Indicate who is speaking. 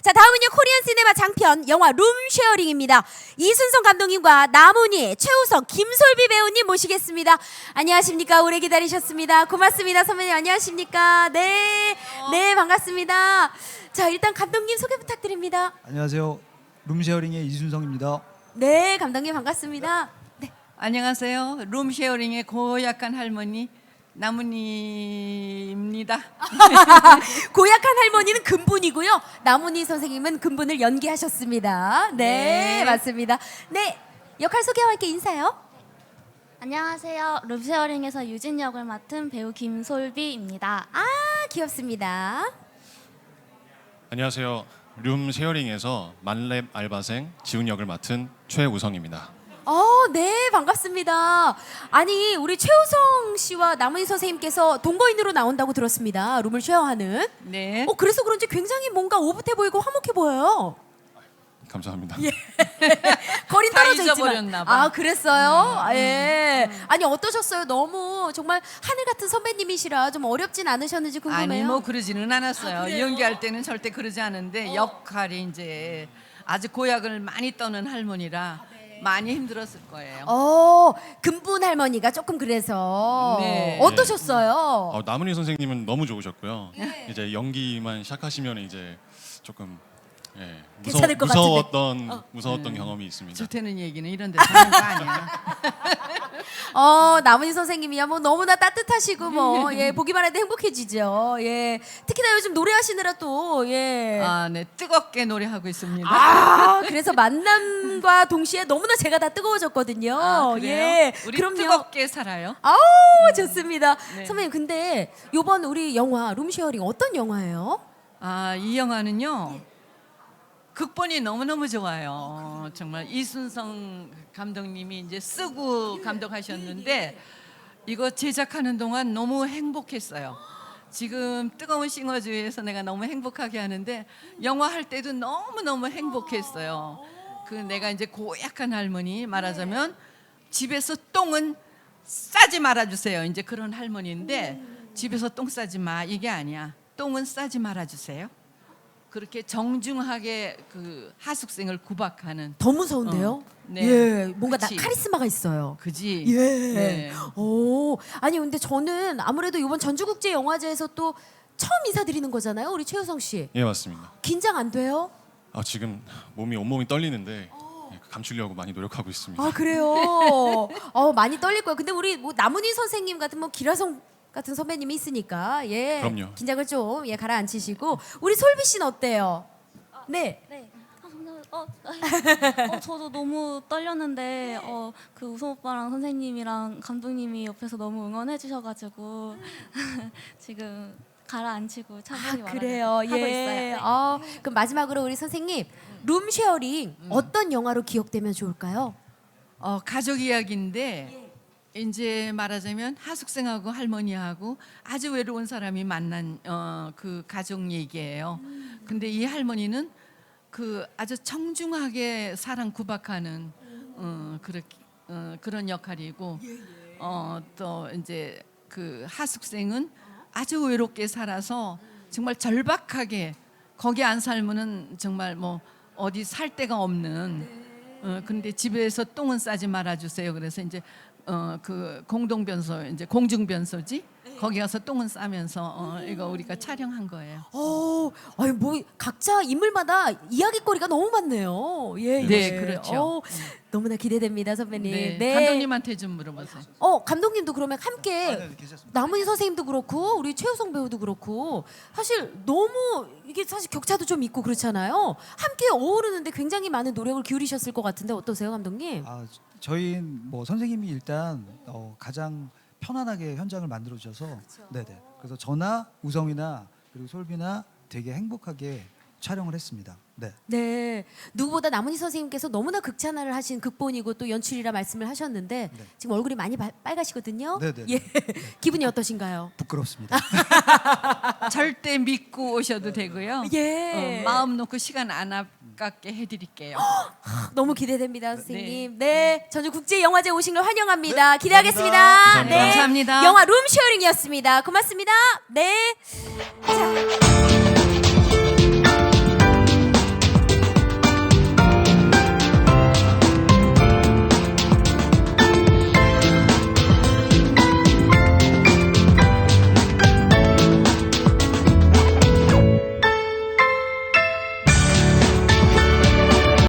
Speaker 1: 자, 다음은요 코리안 시네마 장편 영화 룸쉐어링입니다. 이순성 감독님과 나문희, 최우성, 김솔비 배우님 모시겠습니다. 안녕하십니까? 오래 기다리셨습니다. 고맙습니다. 선배님 안녕하십니까? 네, 네 반갑습니다. 자, 일단 감독님 소개 부탁드립니다.
Speaker 2: 안녕하세요. 룸쉐어링의 이순성입니다.
Speaker 1: 네, 감독님 반갑습니다. 네.
Speaker 3: 안녕하세요. 룸쉐어링의 고약한 할머니 나문희입니다.
Speaker 1: 고약한 할머니는 근분이고요. 나문희 선생님은 근분을 연기하셨습니다. 네,
Speaker 3: 네.
Speaker 1: 맞습니다. 네, 역할 소개와 함께 인사요.
Speaker 4: 안녕하세요. 룸쉐어링에서 유진 역을 맡은 배우 김솔비입니다.
Speaker 1: 아, 귀엽습니다.
Speaker 5: 안녕하세요. 룸 쉐어링에서 만렙 알바생 지훈 역을 맡은 최우성입니다.
Speaker 1: 네, 반갑습니다. 아니, 우리 최우성 씨와 나문희 선생님께서 동거인으로 나온다고 들었습니다. 룸을 쉐어하는.
Speaker 3: 네.
Speaker 1: 그래서 그런지 굉장히 뭔가 오붓해 보이고 화목해 보여요.
Speaker 5: 감사합니다.
Speaker 1: 거리
Speaker 3: 다
Speaker 1: 떨어져 있지만.
Speaker 3: 잊어버렸나 봐.
Speaker 1: 아, 그랬어요? 예. 아니, 어떠셨어요? 너무 정말 하늘 같은 선배님이시라 좀 어렵진 않으셨는지 궁금해요.
Speaker 3: 아니 뭐 그러지는 않았어요.
Speaker 1: 아, 그래요?
Speaker 3: 연기할 때는 절대 그러지 않은데 역할이 이제 아주 고약을 많이 떠는 할머니라 많이 힘들었을 거예요.
Speaker 1: 근분 할머니가 조금 그래서
Speaker 3: 네.
Speaker 1: 어떠셨어요?
Speaker 5: 나문희 선생님은 너무 좋으셨고요. 이제 연기만 시작하시면 이제 조금
Speaker 1: 괜찮을 것
Speaker 5: 무서웠던 경험이 있습니다.
Speaker 3: 좋다는 얘기는 이런 데서 하는 거 아니야.
Speaker 1: 나문희 선생님이야 뭐 너무나 따뜻하시고 뭐 예, 보기만 해도 행복해지죠. 예. 특히나 요즘 노래하시느라 또 예.
Speaker 3: 아, 네. 뜨겁게 노래하고 있습니다.
Speaker 1: 그래서 만남과 동시에 너무나 제가 다 뜨거워졌거든요.
Speaker 3: 아, 그래요?
Speaker 1: 예.
Speaker 3: 우리
Speaker 1: 그럼요.
Speaker 3: 뜨겁게 살아요.
Speaker 1: 좋습니다.
Speaker 3: 네.
Speaker 1: 선배님 근데 요번 우리 영화 룸쉐어링 어떤 영화예요?
Speaker 3: 아, 이 영화는요. 극본이 너무너무 좋아요. 정말 이순성 감독님이 이제 쓰고 감독하셨는데 이거 제작하는 동안 너무 행복했어요. 지금 뜨거운 싱어주에서 내가 너무 행복하게 하는데 영화 할 때도 너무너무 행복했어요. 그 내가 이제 고약한 할머니 말하자면 집에서 똥은 싸지 말아주세요. 이제 그런 할머니인데 집에서 똥 싸지 마 이게 아니야. 똥은 싸지 말아주세요. 그렇게 정중하게 그 하숙생을 구박하는
Speaker 1: 더 무서운데요?
Speaker 3: 네.
Speaker 1: 예, 뭔가
Speaker 3: 그치.
Speaker 1: 카리스마가 있어요.
Speaker 3: 그지.
Speaker 1: 예.
Speaker 3: 네.
Speaker 1: 아니 근데 저는 아무래도 이번 전주국제영화제에서 또 처음 인사드리는 거잖아요, 우리 최우성 씨.
Speaker 5: 예, 맞습니다.
Speaker 1: 긴장 안 돼요?
Speaker 5: 지금 온몸이 떨리는데 감추려고 많이 노력하고 있습니다.
Speaker 1: 그래요. 많이 떨릴 거예요. 근데 우리 뭐 나문희 선생님 같은 뭐 기라성 같은 선배님이 있으니까 예.
Speaker 5: 그럼요.
Speaker 1: 긴장을 좀 가라앉히시고 우리 솔비 씨는 어때요? 네.
Speaker 4: 네. 저도 너무 떨렸는데 그 우성 오빠랑 선생님이랑 감독님이 옆에서 너무 응원해 주셔가지고 지금 가라앉히고 차분히
Speaker 1: 그래요.
Speaker 4: 하고
Speaker 1: 예.
Speaker 4: 있어요.
Speaker 1: 그럼 마지막으로 우리 선생님 룸쉐어링 어떤 영화로 기억되면 좋을까요?
Speaker 3: 가족 이야기인데 이제 말하자면 하숙생하고 할머니하고 아주 외로운 사람이 만난 그 가족 얘기예요. 근데 이 할머니는 그 아주 청중하게 사랑 구박하는 그런 역할이고 또 이제 그 하숙생은 아주 외롭게 살아서 정말 절박하게 거기 안 살면은 정말 뭐 어디 살 데가 없는 근데 집에서 똥은 싸지 말아 주세요. 그래서 이제 그 공동변소 이제 공중변소지 거기 가서 똥은 싸면서 이거 우리가 촬영한 거예요.
Speaker 1: 아니 뭐 각자 인물마다 이야기거리가 너무 많네요. 예.
Speaker 3: 네,
Speaker 1: 예.
Speaker 3: 그렇죠.
Speaker 1: 너무나 기대됩니다, 선배님.
Speaker 3: 네. 감독님한테 좀 물어보세요.
Speaker 1: 감독님도 그러면 함께
Speaker 2: 네, 계셨습니다.
Speaker 1: 나문희 선생님도 그렇고 우리 최우성 배우도 그렇고 사실 너무 이게 사실 격차도 좀 있고 그렇잖아요. 함께 어우르는데 굉장히 많은 노력을 기울이셨을 것 같은데 어떠세요, 감독님?
Speaker 2: 저희 뭐 선생님이 일단 가장 편안하게 현장을 만들어 주셔서 네네. 그래서 저나 우성이나 그리고 솔비나 되게 행복하게 촬영을 했습니다. 네.
Speaker 1: 네, 누구보다 나문희 선생님께서 너무나 극찬을 하신 극본이고 또 연출이라 말씀을 하셨는데
Speaker 2: 네.
Speaker 1: 지금 얼굴이 많이 빨가시거든요.
Speaker 2: 네네.
Speaker 1: 예, 기분이 어떠신가요?
Speaker 2: 부끄럽습니다.
Speaker 3: 절대 믿고 오셔도 되고요.
Speaker 1: 예,
Speaker 3: 마음 놓고 시간 안 아깝게 해드릴게요.
Speaker 1: 너무 기대됩니다, 선생님.
Speaker 3: 네.
Speaker 1: 네, 전주국제영화제 오신 걸 환영합니다.
Speaker 2: 네,
Speaker 1: 기대하겠습니다.
Speaker 5: 감사합니다.
Speaker 1: 네,
Speaker 3: 감사합니다.
Speaker 1: 영화 룸쉐어링이었습니다. 고맙습니다. 네, 자.